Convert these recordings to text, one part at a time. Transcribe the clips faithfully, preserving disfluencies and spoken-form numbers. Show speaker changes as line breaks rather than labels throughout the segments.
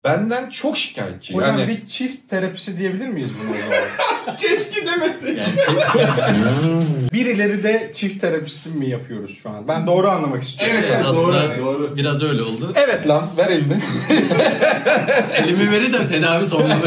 Benden çok şikayetçi.
Hocam
yani...
bir çift terapisi diyebilir miyiz buna o zaman?
Keşke demesek.
Birileri de çift terapisi mi yapıyoruz şu an? Ben doğru anlamak istiyorum.
Evet,
Ben.
aslında
doğru, doğru.
biraz öyle oldu.
Evet lan, ver elini.
Elimi verirsem tedavi sonlanır.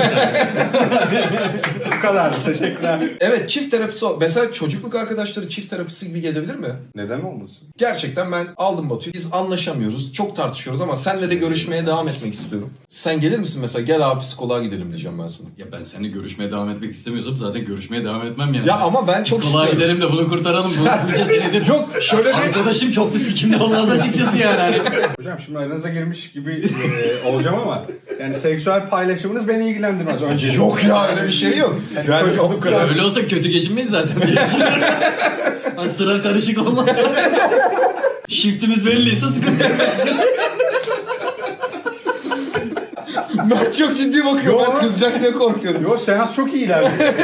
Bu kadar. Teşekkürler.
Evet, çift terapisi. Mesela çocukluk arkadaşları çift terapisi gibi gelebilir mi?
Neden olmasın?
Gerçekten ben aldım Batu'yu. Biz anlaşamıyoruz. Çok tartışıyoruz ama senle de görüşmeye devam etmek istiyorum. Sen gelir misin mesela? Gel abi psikoloğa gidelim diyeceğim ben sana.
Ya ben seninle görüşmeye devam etmek istemiyorsam zaten görüşmeye devam etmem yani.
Ya ama ben çok
Psikoloğa
istiyorum.
gidelim de bunu kurtaralım. Bu bunca senedir.
Yok şöyle bir...
Arkadaşım çok da sikimli olmaz açıkçası yani. Hani.
Hocam şimdi aranıza girmiş gibi e, olacağım ama yani seksüel paylaşımınız beni ilgilendirmez önce.
Yok ya öyle bir şey yok. Yani o kadar.
Öyle olsa kötü geçinmeyiz zaten. Hani sıra karışık olmaz. Shiftimiz belliyse sıkıntı yok.
Ben çok ciddi bakıyorum.
Yok.
Ben kızacak diye korkuyorum.
Yok seans çok iyi ilerliyor.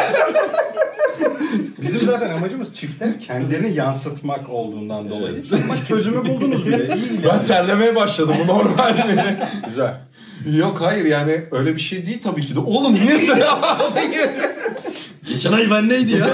Bizim zaten amacımız çiftler kendilerini yansıtmak olduğundan dolayı. Bak çözümü buldunuz bile. İyi
Ben terlemeye başladım. Bu normal mi?
Güzel.
Yok hayır yani öyle bir şey değil tabii ki de. Oğlum niye sen
Geçen ay bendeydi ya.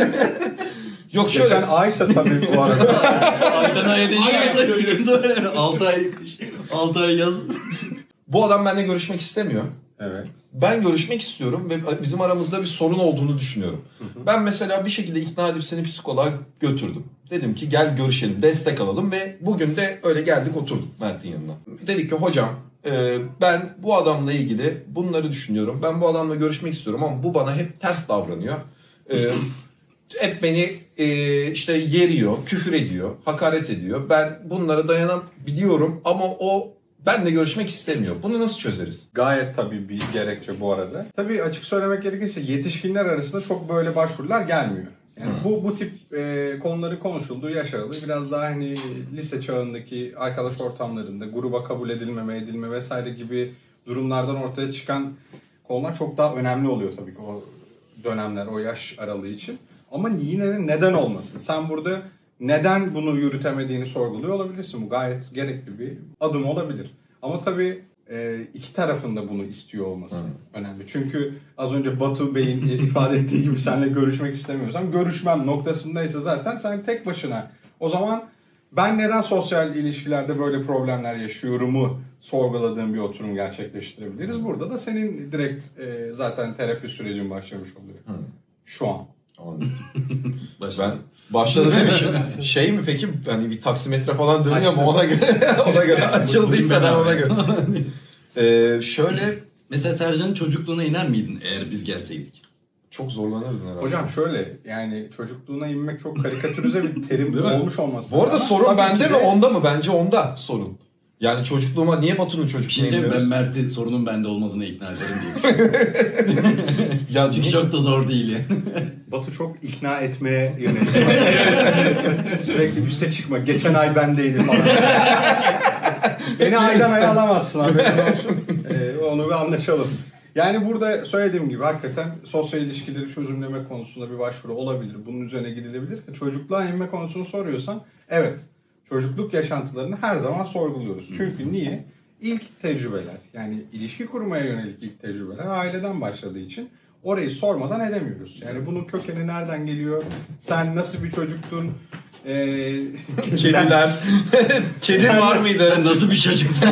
Yok şöyle.
Geçen aysa tabii bu arada.
Aydan aya değişiyorsa sıkıntı var yani. altı ay kış, altı ay yaz.
Bu adam benimle görüşmek istemiyor.
Evet.
Ben görüşmek istiyorum ve bizim aramızda bir sorun olduğunu düşünüyorum. Hı hı. Ben mesela bir şekilde ikna edip seni psikoloğa götürdüm. Dedim ki gel görüşelim, destek alalım ve bugün de öyle geldik oturduk Mert'in yanına. Dedik ki hocam e, ben bu adamla ilgili bunları düşünüyorum. Ben bu adamla görüşmek istiyorum ama bu bana hep ters davranıyor. E, hep beni e, işte yeriyor, küfür ediyor, hakaret ediyor. Ben bunlara dayanabiliyorum ama o benle görüşmek istemiyor. Bunu nasıl çözeriz?
Gayet tabii bir gerekçe bu arada. Tabii açık söylemek gerekirse yetişkinler arasında çok böyle başvurular gelmiyor. Yani hmm. bu bu tip e, konuları konuşulduğu yaş aralığı biraz daha hani lise çağındaki arkadaş ortamlarında gruba kabul edilmeme, edilme vesaire gibi durumlardan ortaya çıkan konular çok daha önemli oluyor tabii ki o dönemler, o yaş aralığı için. Ama yine de neden olmasın? Sen burada neden bunu yürütemediğini sorguluyor olabilirsin. Bu gayet gerekli bir adım olabilir. Ama tabii e, iki tarafın da bunu istiyor olması hmm. önemli. Çünkü az önce Batu Bey'in ifade ettiği gibi seninle görüşmek istemiyorsam görüşmem noktasındaysa zaten sen tek başına. O zaman ben neden sosyal ilişkilerde böyle problemler yaşıyorumu sorguladığım bir oturum gerçekleştirebiliriz. Burada da senin direkt e, zaten terapi sürecin başlamış oluyor. Hmm. Şu an.
Ben başladı demişim. Şey mi peki hani bir taksimetre falan dönüyor mu ona göre ona göre açıldıysa ben ona göre. ee, şöyle
mesela Sercan'ın çocukluğuna iner miydin eğer biz gelseydik?
Çok zorlanırdın herhalde.
Hocam şöyle yani çocukluğuna inmek çok karikatürize bir terim olmuş olması.
Bu arada sorun
tabii
bende mi
de...
onda mı? Bence onda sorun. Yani çocukluğuma niye Batu'nun çocukluğuna
şey
iniyoruz?
Ben Mert'i sorunun bende olmadığına ikna ederim diye düşünüyorum.
Ya
çünkü çok da zor değil yani.
Batu çok ikna etmeye yönelik. Sürekli üste çıkma. Geçen ay bendeydi falan. Beni aydan aya alamazsın abi. ee, onu bir anlaşalım. Yani burada söylediğim gibi hakikaten sosyal ilişkileri çözümleme konusunda bir başvuru olabilir. Bunun üzerine gidilebilir. Çocukluğa inme konusunu soruyorsan evet. Çocukluk yaşantılarını her zaman sorguluyoruz. Çünkü niye? İlk tecrübeler yani ilişki kurmaya yönelik ilk tecrübeler aileden başladığı için orayı sormadan edemiyoruz. Yani bunun kökeni nereden geliyor? Sen nasıl bir çocuktun? Ee,
Kediler. Kedi var mıydı?
Sen nasıl bir çocuktun?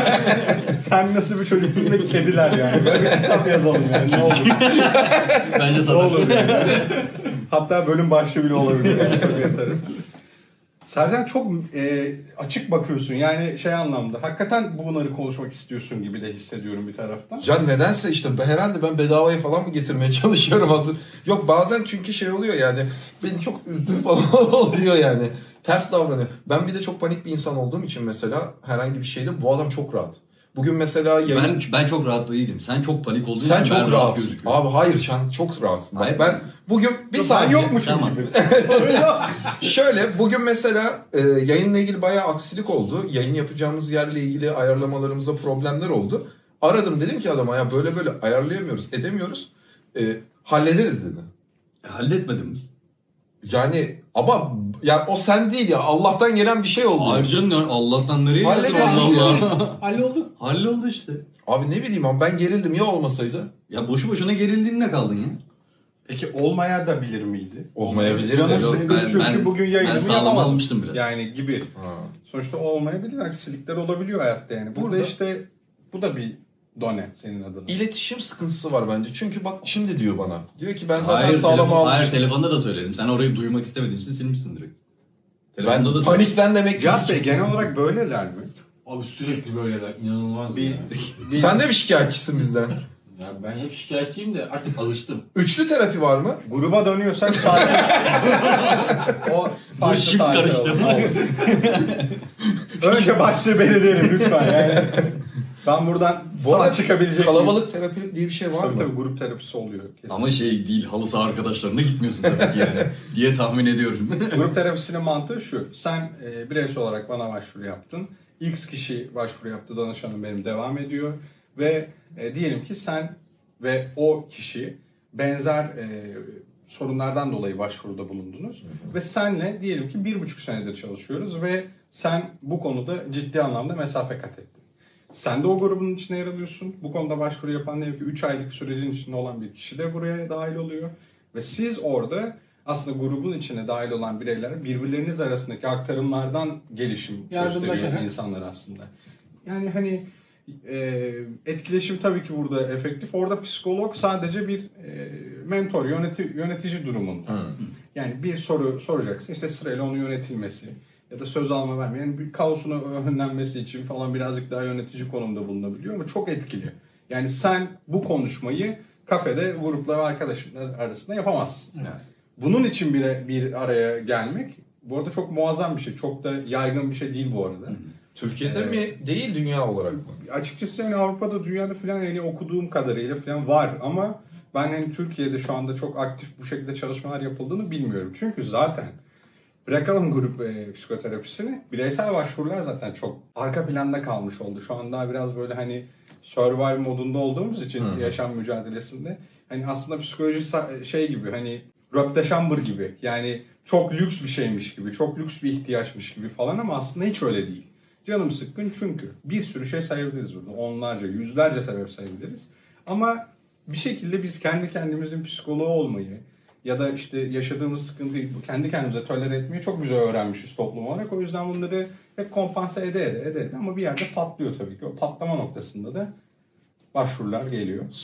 Sen nasıl bir çocuktun ve kediler yani. Böyle bir kitap yazalım yani ne olur.
Bence
ne olur yani. Hatta bölüm başlığı bile olabilir. Yani. Çok yatarız. Sercan çok e, açık bakıyorsun yani şey anlamda. Hakikaten bunları konuşmak istiyorsun gibi de hissediyorum bir taraftan.
Ya nedense işte herhalde ben bedavaya falan mı getirmeye çalışıyorum hazır. Yok bazen çünkü şey oluyor yani beni çok üzdüğü falan oluyor yani. Ters davranıyor. Ben bir de çok panik bir insan olduğum için mesela herhangi bir şeyde bu adam çok rahat. Bugün mesela yayın...
Ben ben çok rahat değilim. Sen çok panik olduğun
Sen
için
çok
ben
rahatsın.
rahat
Abi hayır sen çok rahatsın.
Hayır.
Ben bugün bir
Yok,
saniye...
Ben yokmuşum
tamam.
gibi.
Şöyle bugün mesela e, yayınla ilgili bayağı aksilik oldu. Yayın yapacağımız yerle ilgili ayarlamalarımızda problemler oldu. Aradım dedim ki adama ya böyle böyle ayarlayamıyoruz, edemiyoruz. E, hallederiz dedi.
E, halletmedim.
Yani ama Ya o sen değil ya. Allah'tan gelen bir şey oldu.
Ayrıca ne- Allah'tan nereye gelsin
Hallederiz
Allah
ya.
Allah.
Halloldu.
Halloldu işte.
Abi ne bileyim abi ben gerildim ya olmasaydı.
Ya boşu boşuna gerildiğinle kaldın ya.
Peki olmaya da bilir miydi?
Olmayabilir
Canım
de.
Yok,
sıkkın
ben-
çünkü
ben-
bugün
ben
yayınımı
sağlam
yapamadım.
almıştım biraz.
Yani gibi.
Ha.
Sonuçta olmayabilir, aksilikler olabiliyor hayatta yani. Burada,
Burada-
işte bu da bir done senin adına.
İletişim sıkıntısı var bence. Çünkü bak şimdi diyor bana. Diyor ki ben zaten
Hayır,
sağlam
telefon, hayır
almıştım.
telefonda da söyledim. Sen orayı duymak istemediğin için silmişsin direkt.
Ben
Telefonda da söyledim.
panikten demek ki.
Cihat Bey genel olarak böyleler mi?
Abi sürekli böyleler. İnanılmaz
Bir,
ya.
bir-
Sen de bir şikayetçisin bizden.
Ya ben hep şikayetçiyim de artık alıştım.
Üçlü terapi var mı?
gruba dönüyorsak sakin. O farklı
shift
tarih
karıştı.
oldu. Önce başlığı belirleyelim lütfen yani. Ben buradan
Bu
sağ
arada
çıkabilecek
kalabalık terapi diye bir şey var
Tabii
mı?
tabii grup terapisi oluyor. Kesin.
Ama şey değil, halı saha arkadaşlarına gitmiyorsun tabii ki yani diye tahmin ediyorum.
Grup terapisinin mantığı şu. Sen e, bireysel olarak bana başvuru yaptın. X kişi başvuru yaptı. Danışanım benim devam ediyor. Ve e, diyelim ki sen ve o kişi benzer e, sorunlardan dolayı başvuruda bulundunuz. Ve senle diyelim ki bir buçuk senedir çalışıyoruz ve sen bu konuda ciddi anlamda mesafe kat ettin. Sen de o grubun içine yer alıyorsun. Bu konuda başvuru yapan diyelim ki üç aylık sürecin içinde olan bir kişi de buraya dahil oluyor. Ve siz orada aslında grubun içine dahil olan bireyler birbirleriniz arasındaki aktarımlardan gelişim
Yardımlaşarak.
gösteriyor insanlar aslında. Yani hani e, etkileşim tabii ki burada efektif. Orada psikolog sadece bir e, mentor, yöneti, yönetici durumunda. Yani bir soru soracaksın. İşte sırayla onun yönetilmesi ya da söz alma verme. Yani bir kaosun önlenmesi için falan birazcık daha yönetici konumda bulunabiliyor ama çok etkili. Yani sen bu konuşmayı kafede grupla ve arkadaşlar arasında yapamazsın.
Evet.
Bunun için bile bir araya gelmek bu arada çok muazzam bir şey. Çok da yaygın bir şey değil bu arada.
Türkiye'de
Evet.
mi değil dünya olarak mı?
Açıkçası yani Avrupa'da, dünyada falan yani okuduğum kadarıyla falan var ama ben hani Türkiye'de şu anda çok aktif bu şekilde çalışmalar yapıldığını bilmiyorum. Çünkü zaten bırakalım grup e, psikoterapisini, bireysel başvurular zaten çok arka planda kalmış oldu. Şu anda biraz böyle hani survive modunda olduğumuz için
Hı.
yaşam mücadelesinde hani aslında psikoloji sa- şey gibi hani röpteşambır gibi yani çok lüks bir şeymiş gibi, çok lüks bir ihtiyaçmış gibi falan ama aslında hiç öyle değil. Canım sıkkın çünkü bir sürü şey sayabiliriz burada. Onlarca, yüzlerce sebep sayabiliriz. Ama bir şekilde biz kendi kendimizin psikoloğu olmayı ya da işte yaşadığımız sıkıntıyı kendi kendimize tolere etmeyi çok güzel öğrenmişiz toplum olarak. O yüzden bunları hep kompanse ede ede ede ede ama bir yerde patlıyor tabii ki. O patlama noktasında da başvurular geliyor.